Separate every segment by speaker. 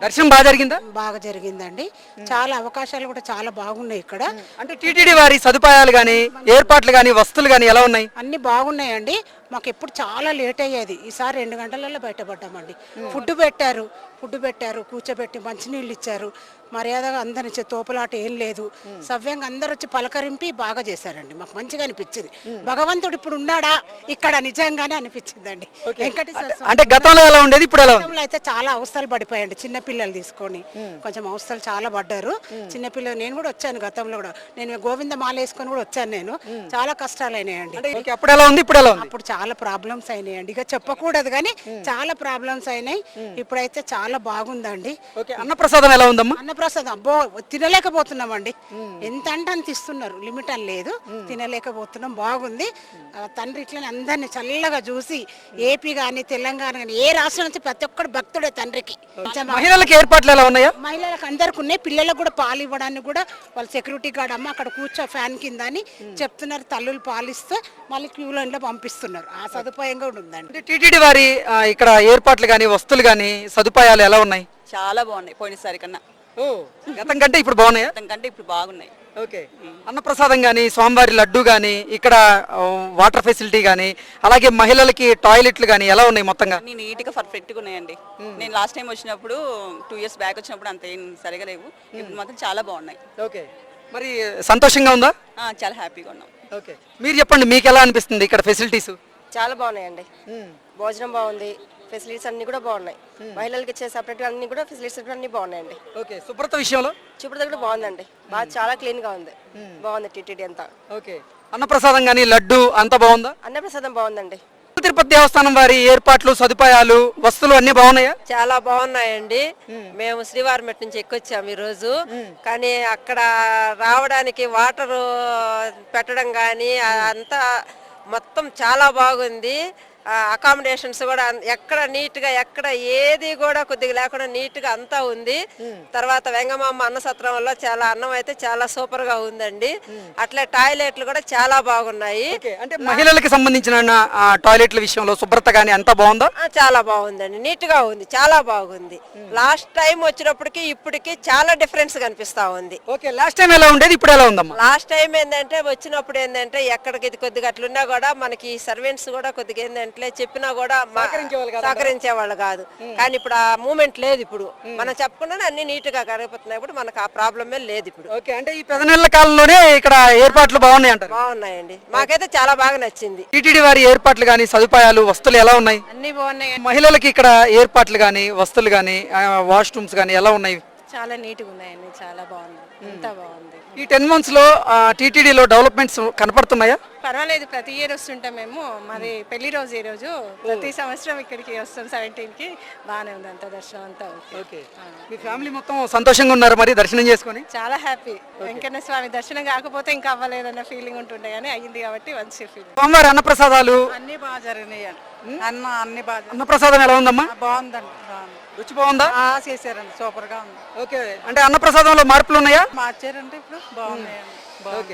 Speaker 1: దర్శనం బాగా జరిగిందా?
Speaker 2: బాగా జరిగిందండి. చాలా అవకాశాలు కూడా చాలా బాగున్నాయి ఇక్కడ.
Speaker 1: అంటే టీటీడీ వారి సదుపాయాలు కానీ ఏర్పాట్లు కానీ వస్తువులు కానీ ఎలా ఉన్నాయి?
Speaker 2: అన్ని బాగున్నాయండి. మాకు ఎప్పుడు చాలా లేట్ అయ్యేది. ఈసారి 2 గంటలలో బయటపడ్డామండి. ఫుడ్ పెట్టారు, కూర్చోబెట్టి మంచినీళ్ళు ఇచ్చారు, మర్యాదగా అందరిని తోపులాట ఏం లేదు, సవ్యంగా అందరు వచ్చి పలకరింపి బాగా చేశారండి. మాకు మంచిగా అనిపించింది. భగవంతుడు ఇప్పుడు ఉన్నాడా ఇక్కడ నిజంగానే అనిపించిందండి. వెంకటేశ్వర
Speaker 1: అంటే గతంలో ఎలా ఉండేది, ఇప్పుడు ఎలా ఉంది?
Speaker 2: అయితే చాలా అవస్థలు పడిపోయాయండి. చిన్నపిల్లలు తీసుకొని కొంచెం అవస్థలు చాలా పడ్డారు. చిన్నపిల్లలు నేను కూడా వచ్చాను గతంలో కూడా. నేను గోవింద మాల వేసుకొని కూడా వచ్చాను. నేను చాలా కష్టాలు అయినాయండి.
Speaker 1: అప్పుడు ఎలా ఉంది, ఇప్పుడు ఎలా ఉంది?
Speaker 2: అప్పుడు చాలా ప్రాబ్లమ్స్ అయినాయండి. ఇక చెప్పకూడదు కానీ చాలా ప్రాబ్లమ్స్ అయినాయి. ఇప్పుడైతే చాలా బాగుందండి.
Speaker 1: అన్నప్రసాదం ఎలా ఉందమ్మా?
Speaker 2: అన్నప్రసాదం అబ్బో తినలేకపోతున్నామండి. ఎంత అంటే అంత ఇస్తున్నారు, లిమిట్ అని లేదు. తినలేకపోతున్నాం. బాగుంది. తండ్రి ఇట్లా అందరినీ చల్లగా చూసి ఏపీ కానీ తెలంగాణ కానీ ఏ రాష్ట్రం నుంచి ప్రతి ఒక్కడు భక్తుడే తండ్రికి.
Speaker 1: మహిళలకు ఏర్పాట్లు ఎలా ఉన్నాయా?
Speaker 2: మహిళలకు అందరికి ఉన్నాయి. పిల్లలకు కూడా పాలు ఇవ్వడానికి కూడా వాళ్ళ సెక్యూరిటీ గార్డ్ అమ్మ అక్కడ కూర్చో ఫ్యాన్ కింద అని చెప్తున్నారు. తల్లులు పాలిస్తే మళ్ళీ క్యూ లైన్ లో పంపిస్తున్నారు. ఆ సదుపాయం కూడా ఉందండి.
Speaker 1: టీటీడీ వారి ఇక్కడ ఏర్పాట్లు కానీ వస్తువులు కానీ సదుపాయాలు ఎలా ఉన్నాయి?
Speaker 3: చాలా బాగున్నాయి. పోయినసారి కన్నా
Speaker 1: గతం కంటే ఇప్పుడు బాగున్నాయా?
Speaker 3: గతం కంటే ఇప్పుడు బాగున్నాయి.
Speaker 1: ఓకే. అన్నప్రసాదం కానీ స్వామివారి లడ్డు కానీ ఇక్కడ వాటర్ ఫెసిలిటీ కానీ అలాగే మహిళలకి టాయిలెట్లు కానీ ఎలా ఉన్నాయి మొత్తంగా?
Speaker 3: అన్ని నీట్గా పర్ఫెక్ట్గా ఉన్నాయండి. నేను లాస్ట్ టైం వచ్చినప్పుడు 2 years బ్యాక్ వచ్చినప్పుడు అంత ఏం సరిగా లేవు. ఇప్పుడు మాత్రం చాలా బాగున్నాయి.
Speaker 1: ఓకే. మరి సంతోషంగా ఉందా?
Speaker 3: చాలా హ్యాపీగా ఉన్నాం.
Speaker 1: ఓకే. మీరు చెప్పండి, మీకు ఎలా అనిపిస్తుంది ఇక్కడ ఫెసిలిటీస్?
Speaker 4: చాలా బాగున్నాయండి. భోజనం బాగుంది, ఫెసిలిటీస్ అన్ని కూడా బాగున్నాయి. మహిళలకి ఇచ్చే సపరేట్ అన్ని కూడా ఫెసిలిటీస్ అన్ని బాగున్నాయండి.
Speaker 1: ఓకే. శుభ్రత విషయంలో?
Speaker 4: శుభ్రత కూడా బాగుందండి. బాగా చాలా క్లీన్ గా ఉంది. బాగుంది టీటీడీ అంతా.
Speaker 1: ఓకే. అన్నప్రసాదం కానీ లడ్డు అంతా బాగుందా?
Speaker 4: అన్నప్రసాదం బాగుందండి.
Speaker 1: తిరుపతి దేవస్థానం వారి ఏర్పాట్లు సదుపాయాలు వస్తువులు అన్ని బాగున్నాయా?
Speaker 5: చాలా బాగున్నాయండి. మేము శ్రీవారిమెట్ నుంచి ఎక్కొచ్చాము ఈ రోజు. కానీ అక్కడ రావడానికి వాటర్ పెట్టడం కానీ అంతా మొత్తం చాలా బాగుంది. అకామిడేషన్స్ కూడా ఎక్కడ నీట్ గా ఎక్కడ ఏది కూడా కొద్దిగా లేకుండా నీట్ గా అంతా ఉంది. తర్వాత వెంగమామ అన్న సత్రంలో చాలా అన్నం అయితే చాలా సూపర్ గా ఉందండి. అట్లే టాయిలెట్లు కూడా చాలా బాగున్నాయి.
Speaker 1: అంటే మహిళలకు సంబంధించిన టాయిలెట్ల విషయంలో శుభ్రత గానీ అంతా బాగుందా?
Speaker 5: చాలా బాగుందండి. నీట్ గా ఉంది, చాలా బాగుంది. లాస్ట్ టైం వచ్చినప్పటికి ఇప్పటికి చాలా డిఫరెన్స్ కనిపిస్తా ఉంది.
Speaker 1: ఓకే. లాస్ట్ టైం ఎలా ఉండేది, ఇప్పుడు ఎలా ఉందమ్మా?
Speaker 5: లాస్ట్ టైం ఏంటంటే వచ్చినప్పుడు ఏంటంటే ఎక్కడికి ఇది కొద్దిగా అట్లున్నా కూడా మనకి సర్వెంట్స్ కూడా కొద్దిగా ఏంటంటే చెప్పినా కూడా సహకరించే వాళ్ళు కాదు. కానీ ఇప్పుడు ఆ మూమెంట్ లేదు. ఇప్పుడు మనం చెప్పకుండా అన్ని నీట్ గా గడిపోతున్నాయి. ఇప్పుడు మనకు ఆ ప్రాబ్లమే లేదు ఇప్పుడు.
Speaker 1: ఓకే. అంటే ఈ 10 నెలల కాలంలోనే ఇక్కడ ఏర్పాట్లు బాగున్నాయి అంటారు?
Speaker 5: బాగున్నాయండి. మాకైతే చాలా బాగా నచ్చింది.
Speaker 1: టీటీడీ వారి ఏర్పాట్లు గానీ సదుపాయాలు వస్తువులు ఎలా ఉన్నాయి?
Speaker 5: అన్ని బాగున్నాయి.
Speaker 1: మహిళలకి ఇక్కడ ఏర్పాట్లు గానీ వస్తువులు గానీ వాష్రూమ్స్ గానీ ఎలా ఉన్నాయి?
Speaker 5: చాలా నీట్ గా ఉన్నాయండి. చాలా బాగుంది. అంతా బాగుంది.
Speaker 1: ఈ 10 months లో టీటీడీలో డెవలప్మెంట్స్ కనపడుతున్నాయా?
Speaker 6: పర్వాలేదు. ప్రతి ఇయర్ వస్తుంటాం మేము. మరి పెళ్లి రోజు ఈ రోజు ప్రతి సంవత్సరం ఇక్కడికి వస్తాం. 17కి బాగానే ఉంది అంత దర్శనం అంతా.
Speaker 1: ఓకే. మీ ఫ్యామిలీ మొత్తం సంతోషంగా ఉన్నారు మరి దర్శనం చేసుకొని?
Speaker 6: చాలా హ్యాపీ. వెంకన్న స్వామి దర్శనం కాకపోతే ఇంకా అవ్వలేదన్న ఫీలింగ్ ఉంటుండే కానీ అయ్యింది కాబట్టి మంచి ఫీలింగ్.
Speaker 1: సోమవారి అన్నప్రసాదాలు
Speaker 5: అన్ని బాగా జరిగినాయి. అన్ని బాగా.
Speaker 1: అన్నప్రసాదం ఎలా ఉందమ్మా?
Speaker 5: బాగుందండి.
Speaker 1: రుచి బాగుందా?
Speaker 5: చేశారండి. సూపర్ గా ఉంది.
Speaker 1: ఓకే. అంటే అన్నప్రసాదంలో మార్పులు ఉన్నాయా?
Speaker 5: మార్చారంటే ఇప్పుడు బాగున్నాయండి.
Speaker 1: ఓకే.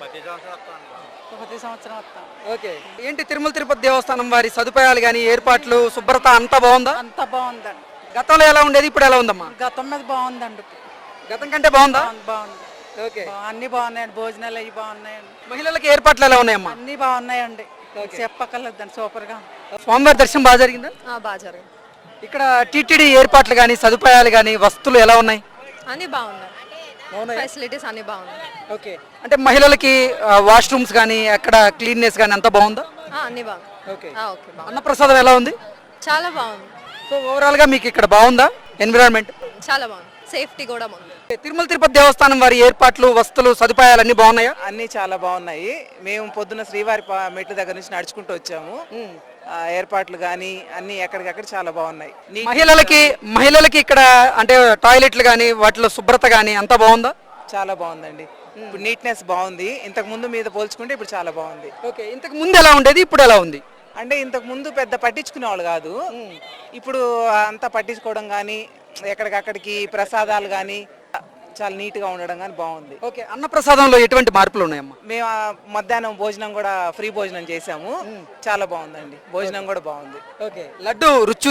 Speaker 5: ప్రతి సంవత్సరం వస్తాం.
Speaker 1: ఓకే. ఏంటి తిరుపతి దేవస్థానం వారి సదుపాయాలు కానీ ఏర్పాట్లు శుభ్రత అంతా బాగుందా?
Speaker 5: అంత బాగుందండి.
Speaker 1: గతంలో ఎలా ఉండేది, ఇప్పుడు ఎలా ఉందమ్మా?
Speaker 5: గతం మీద బాగుందండి.
Speaker 1: గతం కంటే బాగుందా?
Speaker 5: బాగుంది.
Speaker 1: ఓకే.
Speaker 5: అన్ని బాగున్నాయండి. భోజనాలు అవి బాగున్నాయండి.
Speaker 1: మహిళలకి ఏర్పాట్లు ఎలా ఉన్నాయమ్మా?
Speaker 5: అన్ని బాగున్నాయండి. చెప్పక్కర్లేదండి. సూపర్ గా.
Speaker 1: స్వామివారి దర్శనం బాగా జరిగిందా?
Speaker 5: బాగా జరిగింది.
Speaker 1: ఇక్కడ టీటీడీ ఏర్పాట్లు కానీ సదుపాయాలు కానీ వస్తువులు ఎలా ఉన్నాయి?
Speaker 6: అన్ని బాగున్నాయి. ఫెసిలిటీస్ అన్ని బాగున్నాయి.
Speaker 1: ఓకే. అంటే మహిళలకి వాష్రూమ్స్ కానీ అక్కడ క్లీన్నెస్ కానీ అంతా బాగుందా?
Speaker 6: అన్ని బాగుంది.
Speaker 1: ఓకే. అన్నప్రసాదం ఎలా ఉంది?
Speaker 6: చాలా బాగుంది.
Speaker 1: సో ఓవరాల్ గా మీకు ఇక్కడ బాగుందా ఎన్విరాన్మెంట్?
Speaker 6: చాలా బాగుంది. సేఫ్టీ కూడా బాగుంది.
Speaker 1: తిరుపతి దేవస్థానం వారి ఏర్పాట్లు వస్తువులు సదుపాయాలు అన్ని బాగున్నాయా?
Speaker 7: అన్ని చాలా బాగున్నాయి. మేము పొద్దున్న శ్రీవారి మెట్ల దగ్గర నుంచి నడుచుకుంటూ వచ్చాము. ఏర్పాట్లు గానీ అన్ని ఎక్కడికక్కడ చాలా బాగున్నాయి.
Speaker 1: మహిళలకి ఇక్కడ అంటే టాయిలెట్లు గానీ వాటిలో శుభ్రత గానీ అంతా బాగుందా?
Speaker 7: చాలా బాగుందండి. ఇప్పుడు నీట్నెస్ బాగుంది. ఇంతకు ముందు మీద పోల్చుకుంటే ఇప్పుడు చాలా బాగుంది.
Speaker 1: ఓకే. ఇంతకు ముందు ఎలా ఉండేది, ఇప్పుడు ఎలా ఉంది?
Speaker 7: అంటే ఇంతకు ముందు పెద్ద పట్టించుకునే వాళ్ళు కాదు. ఇప్పుడు అంతా పట్టించుకోవడం కానీ ఎక్కడికక్కడికి ప్రసాదాలు కానీ చాలా నీట్ గా ఉండడం కానీ బాగుంది.
Speaker 1: ఓకే. అన్నప్రసాదంలో ఎటువంటి మార్పులు ఉన్నాయమ్మా?
Speaker 7: మేము మధ్యాహ్నం భోజనం కూడా ఫ్రీ భోజనం చేసాము. చాలా బాగుందండి. భోజనం కూడా బాగుంది.
Speaker 1: ఓకే. లడ్డు రుచి చూసారా?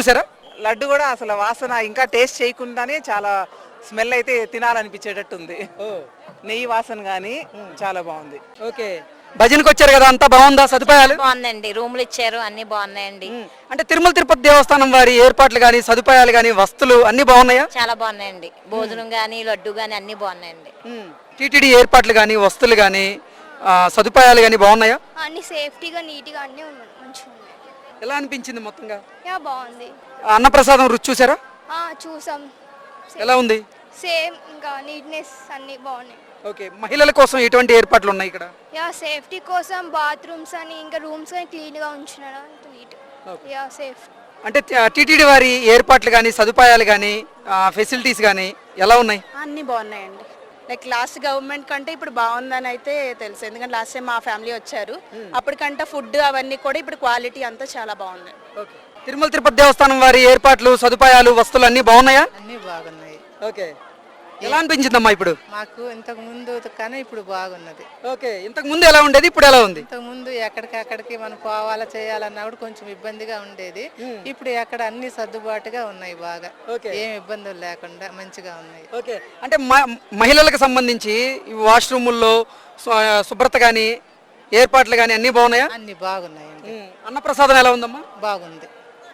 Speaker 7: లడ్డు కూడా అసలు వాసన ఇంకా టేస్ట్ చేయకుండానే చాలా స్మెల్ అయితే తినాలనిపించేటట్టు ఉంది. నెయ్యి వాసన కానీ చాలా బాగుంది.
Speaker 1: ఓకే, భజనకి వచ్చారు కదా, అంతా బాగుందా సదుపాయాలు?
Speaker 8: బాగుందండి, రూములు ఇచ్చారు, అన్ని బాగున్నాయండి.
Speaker 1: అంటే తిరుమల తిరుపతి దేవస్థానం వారి ఏర్పాట్లు కానీ సదుపాయాలు కానీ వస్తువులు అన్ని బాగున్నాయా?
Speaker 8: చాలా బాగున్నాయండి, భోజనం గానీ లడ్డు గానీ అన్ని బాగున్నాయండి.
Speaker 1: టీటీడీ ఏర్పాట్లు కానీ వస్తువులు కానీ సదుపాయాలు కానీ బాగున్నాయా?
Speaker 9: అన్ని సేఫ్టీగా నీట్గా అన్ని మంచిగా ఉన్నాయి.
Speaker 1: ఎలా అనిపించింది మొత్తంగా?
Speaker 9: యా బాగుంది.
Speaker 1: అన్నప్రసాదం రుచి చూసారా?
Speaker 9: చూసాం.
Speaker 1: ఎలా ఉంది?
Speaker 9: సేమ్ ఇంకా నీట్నెస్ అన్ని బాగున్నాయి.
Speaker 1: ఓకే, మహిళల కోసం ఎటువంటి ఏర్పాట్లు ఉన్నాయి ఇక్కడ?
Speaker 9: యా సేఫ్టీ కోసం బాత్రూమ్స్ అని ఇంకా రూమ్స్ అని క్లీన్గా ఉంచినాడు, నీట్. Yeah safe.
Speaker 1: అంటే టీటీడీ వారి ఏర్పాట్లు కానీ సదుపాయాలు కానీ ఫెసిలిటీస్ కానీ ఎలా ఉన్నాయి?
Speaker 6: అన్నీ బాగున్నాయండి. లైక్ లాస్ట్ గవర్నమెంట్ కంటే ఇప్పుడు బాగుందని అయితే తెలుసు, ఎందుకంటే లాస్ట్ టైం మా ఫ్యామిలీ వచ్చారు, అప్పటికంటే ఫుడ్ అవన్నీ కూడా ఇప్పుడు క్వాలిటీ అంతా చాలా బాగుంది.
Speaker 1: తిరుమల తిరుపతి దేవస్థానం వారి ఏర్పాట్లు సదుపాయాలు వస్తువులు అన్ని బాగున్నాయా?
Speaker 10: అన్నీ బాగున్నాయి.
Speaker 1: ఓకే, ఎలా అనిపించిందమ్మా ఇప్పుడు?
Speaker 10: మాకు ఇంతకు ముందు కన్నా ఇప్పుడు బాగున్నది.
Speaker 1: ఓకే, ఇంతకు ముందు ఎలా ఉండేది, ఇప్పుడు ఎలా ఉంది?
Speaker 10: ఇంతకు ముందు ఎక్కడికి మనం పోవాలా చేయాలన్నా కూడా కొంచెం ఇబ్బందిగా ఉండేది. ఇప్పుడు ఎక్కడ అన్ని సర్దుబాటుగా ఉన్నాయి, బాగా ఏం ఇబ్బందులు లేకుండా మంచిగా ఉన్నాయి.
Speaker 1: ఓకే, అంటే మహిళలకు సంబంధించి వాష్రూముల్లో శుభ్రత కానీ ఏర్పాట్లు కానీ అన్ని బాగున్నాయా?
Speaker 10: అన్ని బాగున్నాయండి.
Speaker 1: అన్నప్రసాదం ఎలా ఉందమ్మా?
Speaker 10: బాగుంది.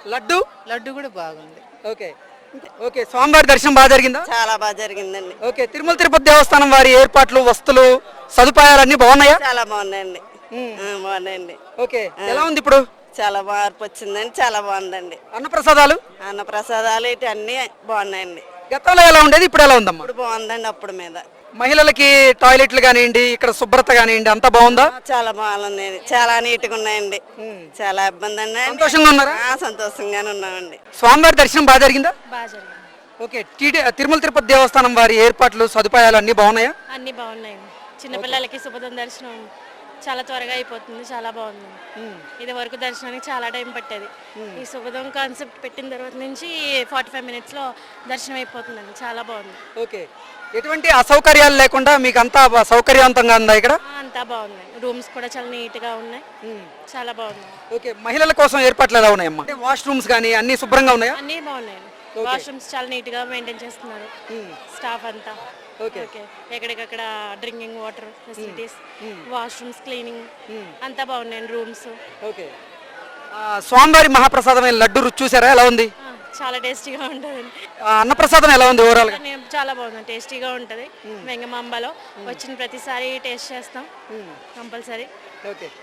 Speaker 1: లడ్డు
Speaker 10: కూడా బాగుంది.
Speaker 1: ఓకే ఓకే, స్వామివారి దర్శనం బాగా జరిగిందా?
Speaker 3: చాలా బాగా జరిగిందండి.
Speaker 1: ఓకే, తిరుమల తిరుపతి దేవస్థానం వారి ఏర్పాట్లు వస్తువులు సదుపాయాలు అన్ని బాగున్నాయా?
Speaker 3: చాలా బాగున్నాయండి. బాగున్నాయండి.
Speaker 1: ఓకే, ఎలా ఉంది ఇప్పుడు?
Speaker 3: చాలా మార్పు వచ్చిందండి, చాలా బాగుందండి.
Speaker 1: అన్నప్రసాదాలు
Speaker 3: ఇటు అన్ని బాగున్నాయండి.
Speaker 1: గతంలో ఎలా ఉండేది, ఇప్పుడు ఎలా ఉందమ్మా?
Speaker 3: ఇప్పుడు బాగుందండి. అప్పుడు మీద
Speaker 1: మహిళలకి టాయిలెట్లు కానివ్వండి, ఇక్కడ శుభ్రత కానివ్వండి, అంతా బాగుందా?
Speaker 3: చాలా బాగుందండి, చాలా నీట్గా ఉన్నాయండి. చాలా ఇబ్బంది అండి.
Speaker 1: సంతోషంగా ఉన్నారా?
Speaker 3: సంతోషంగానే ఉన్నామండి.
Speaker 1: స్వామివారి దర్శనం బాగా జరిగిందా?
Speaker 6: బాగా జరిగింది.
Speaker 1: ఓకే, తిరుమల తిరుపతి దేవస్థానం వారి ఏర్పాట్లు సదుపాయాలు అన్ని బాగున్నాయా?
Speaker 6: అన్ని బాగున్నాయి. చిన్నపిల్లలకి శుభదం దర్శనం చాలా త్వరగా అయిపోతుంది, చాలా బాగుంది. ఇది వరకు దర్శనానికి చాలా టైం పట్టేది, ఈ శుభదం కాన్సెప్ట్ పెట్టిన తర్వాత నుంచి 45 minutesలో దర్శనం అయిపోతుందండి, చాలా బాగుంది.
Speaker 1: ఓకే, ఎటువంటి అసౌకర్యాలు లేకుండా మీకు అంతా సౌకర్యవంతంగా ఉందా ఇక్కడ?
Speaker 6: అంతా బాగున్నాయి, రూమ్స్ కూడా చాలా నీట్గా ఉన్నాయి, చాలా బాగుంది.
Speaker 1: ఓకే, మహిళల కోసం ఏర్పాట్లు ఎలా ఉన్నాయమ్మా? అంటే వాష్రూమ్స్ కానీ అన్ని శుభ్రంగా ఉన్నాయా?
Speaker 6: అన్నీ బాగున్నాయి. వాష్రూమ్స్ చాలా నీట్గా మెయింటైన్ చేస్తున్నారు స్టాఫ్ అంతా. ఓకే, ఎక్కడికక్కడ drinking water facilities, washrooms cleaning అంతా బాగున్నాయి. రూమ్స్
Speaker 1: ఓకే, స్వామివారి మహాప్రసాదమైన లడ్డు రుచి చూసారా, ఎలా ఉంది?
Speaker 6: చాలా టేస్టీగా ఉంటుంది.
Speaker 1: అన్నప్రసాదం ఎలా ఉంది ఓవరాల్ గా?
Speaker 6: చాలా బాగుంది, టేస్టీగా ఉంటుంది. వెంగమాంబలో వచ్చిన ప్రతిసారి టేస్ట్ చేస్తాం కంపల్సరీ.
Speaker 1: ఓకే.